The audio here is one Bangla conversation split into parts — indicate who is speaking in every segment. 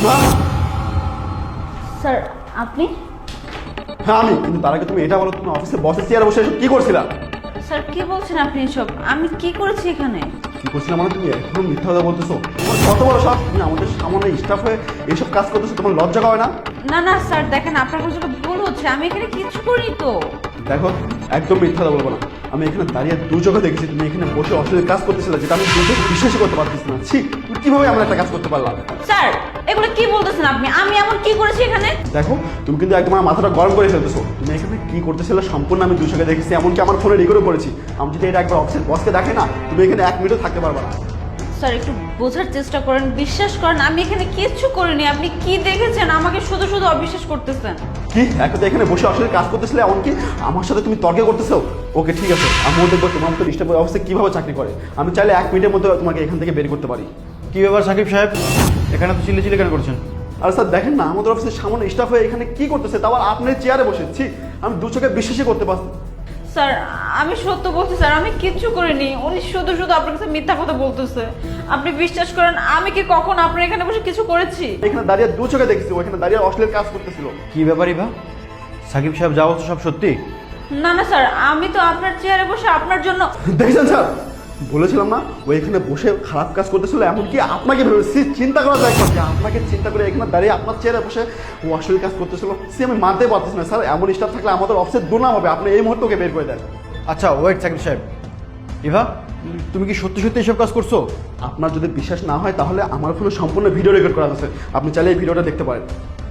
Speaker 1: ইভা,
Speaker 2: স্যার আপনি?
Speaker 1: হ্যাঁ আমি। কিন্তু তার আগে তুমি এটা বলো, তুমি অফিসে বসের চেয়ারে বসে এসব কি করছিলা?
Speaker 2: স্যার কি বলছেন আপনি এসব? আমি কি করেছি এখানে?
Speaker 1: কি করছিলাম মানে তুমি এখনো মিথ্যা কথা বলতেছো? তোমার কত বড় সব, তুমি আমাদের সামনে স্টাফ হয়ে এইসব কাজ করতেছো, তোমার লজ্জা করে না?
Speaker 2: না না স্যার দেখেন আপনার কাছে ভুল হচ্ছে, আমি এখানে কিচ্ছু করিনি তো।
Speaker 1: দেখো, একদম মিথ্যা কথা বলবো না। আমি এখানে দাঁড়িয়ে দু চোখে দেখেছি তুমি এখানে বসে অশ্লীল কাজ করতেছিলে, যেটা আমি দু চোখে বিশ্বাসই করতে পারতেছি না। ছি, তুমি কিভাবে এমন একটা কাজ করতে পারলাম?
Speaker 2: স্যার এগুলো কি বলতেছেন আপনি? আমি এমন কি করেছি এখানে?
Speaker 1: দেখো, তুমি কিন্তু একদম আমার মাথাটা গরম করে ফেলতেছো। তুমি এখানে কি করতেছিলে সম্পূর্ণ আমি দু চোখে দেখেছি, এমনকি আমার ফোনে রেকর্ডও করেছি। আমি যদি এটা একবার অফিসের বসকে দেখে না, তুমি এখানে এক মিনিটও থাকতে পারবে না।
Speaker 2: স্যার একটু বোঝার চেষ্টা করেন, বিশ্বাস করেন আমি এখানে কিচ্ছু করিনি। আপনি কি দেখেছেন? আমাকে শুধু শুধু অবিশ্বাস করতেছেন।
Speaker 1: কি এখন তো এখানে বসে অশ্লীল কাজ করতেছিলে, এমনকি আমার সাথে তুমি তর্কে করতেছো? ওকে ঠিক আছে, আমিও দেখবো তোমার মতো ডিস্টার্ব অবস্থায় কীভাবে চাকরি করে। আমি চাইলে এক মিনিটের মধ্যে তোমাকে এখান থেকে বের করতে পারি।
Speaker 3: কি ব্যাপার সাকিব সাহেব, এখানে তো চিল্লি কেন করছেন?
Speaker 1: আর স্যার দেখেন না, আমাদের অফিসের সামনে স্টাফ হয়ে এখানে কি করতেছে, তাও আবার আপনার চেয়ারে বসেছি। আমি দু চোখে বিশ্বাসই করতে পারছি।
Speaker 2: স্যার আমি সত্য বলছি স্যার, আমি কিচ্ছু করিনি। উনি শুধু শুধু আপনার কাছে মিথ্যা কথা বলতেছে। আপনি বিশ্বাস করেন, আমি কি কখন আপনার এখানে বসে কিছু করেছি?
Speaker 1: এখানে দাঁড়িয়ে দু চোখে দেখেছি, ওইখানে দাঁড়িয়ে অশ্লীল কাজ করতেছিল।
Speaker 3: কি ব্যাপার ইভা, সাকিব সাহেব যা বলছে সব সত্যি?
Speaker 2: না না স্যার, আমি তো আপনার চেয়ারে বসে আপনার জন্য।
Speaker 1: দেখেছেন স্যার, বলেছিলাম না ও এখানে বসে খারাপ কাজ করতেছিল, এমনকি আপনাকে ভেবেছি। চিন্তা করা যায় যে আপনাকে চিন্তা করে এখানে দাঁড়িয়ে আপনার চেয়ারে বসে ও অশ্লীল কাজ করতেছিল। আমি মানতে পারতেছি না স্যার, এমন স্টাফ থাকলে আমাদের অফিসের দুর্নাম হবে। আপনি এই মুহূর্তে ওকে বের করে দেন।
Speaker 3: আচ্ছা ওয়েট সাকিব সাহেব, ইভা তুমি কি সত্যি সত্যি এসব কাজ করছো?
Speaker 1: আপনার যদি বিশ্বাস না হয় তাহলে আমার ফোনে সম্পূর্ণ ভিডিও রেকর্ড করা আছে, আপনি চাইলে এই ভিডিওটা দেখতে পারেন।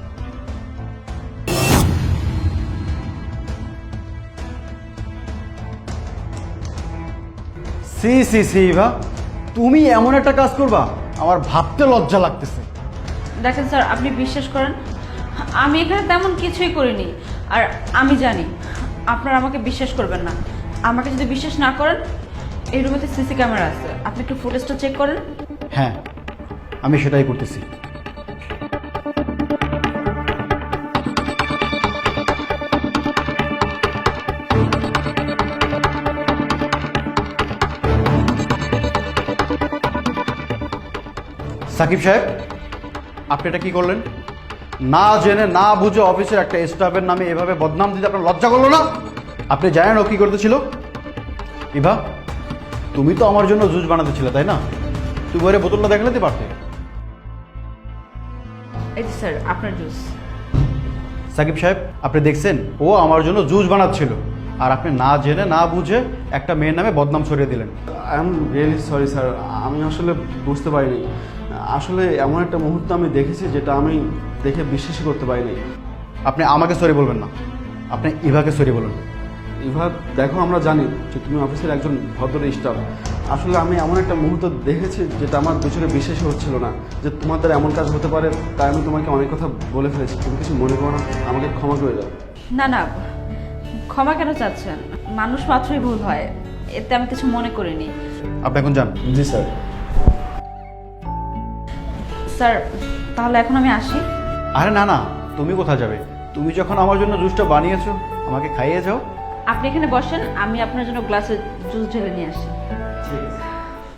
Speaker 3: সি সি সি ইভা, তুমি এমন একটা কাজ করবা, আমার ভাবতে লজ্জা লাগতেছে।
Speaker 2: দেখেন স্যার, আপনি বিশ্বাস করেন আমি এখানে তেমন কিছুই করিনি। আর আমি জানি আপনারা আমাকে বিশ্বাস করবেন না। আমাকে যদি বিশ্বাস না করেন, এই রুমেতে সিসি ক্যামেরা আছে, আপনি একটু ফুটেজটা চেক করেন।
Speaker 3: হ্যাঁ আমি সেটাই করতেছি। সাকিব সাহেব, আপনি এটা কি করলেন? না জেনে না বুঝে অফিসের একটা স্টাফের নামে এভাবে বদনাম দিতে আপনার লজ্জা করলো না? আপনি জানেন ও কি করতেছিল? ইভা, তুমি তো আমার জন্য জুস বানাতেছিলে তাই না? তুমি ওরে বোতলটা দেখাতে পারতে।
Speaker 2: এই যে স্যার আপনার জুস।
Speaker 3: সাকিব সাহেব, আপনি দেখছেন ও আমার জন্য জুস বানাচ্ছিল, আর আপনি না জেনে না বুঝে একটা মেয়ের নামে বদনাম ছড়িয়ে দিলেন।
Speaker 1: I am really sorry sir, আমি আসলে বুঝতে পারিনি। আসলে এমন একটা মুহূর্ত আমি দেখেছি যেটা আমি দেখে বিশ্বাসই করতে পারিনি।
Speaker 3: আপনি আমাকে সরি বলবেন না, আপনি ইভাকে সরি বলুন।
Speaker 1: ইভা দেখো, আমরা জানি যে তুমি অফিসের একজন ভদ্র স্টাফ। আসলে আমি এমন একটা মুহূর্ত দেখেছি যেটা আমার দুচোখে বিশ্বাসই হচ্ছিল না যে তোমাদের এমন কাজ হতে পারে। তাই আমি তোমাকে অনেক কথা বলে ফেলেছি, তুমি কিছু মনে করো না, আমাকে ক্ষমা করে দাও।
Speaker 2: না না, ক্ষমা কেন চাচ্ছেন? মানুষ মাত্রই ভুল হয়, এতে আমি কিছু মনে করিনি।
Speaker 3: আপনি এখন যান।
Speaker 1: জি স্যার।
Speaker 2: স্যার তাহলে এখন আমি আসি।
Speaker 3: আরে না না, তুমি কোথায় যাবে? তুমি যখন আমার জন্য জুসটা বানিয়েছো, আমাকে খাইয়ে যাও।
Speaker 2: আপনি এখানে বসেন, আমি আপনার জন্য গ্লাসে জুস ঢেলে নিয়ে আসি।
Speaker 1: ঠিক আছে।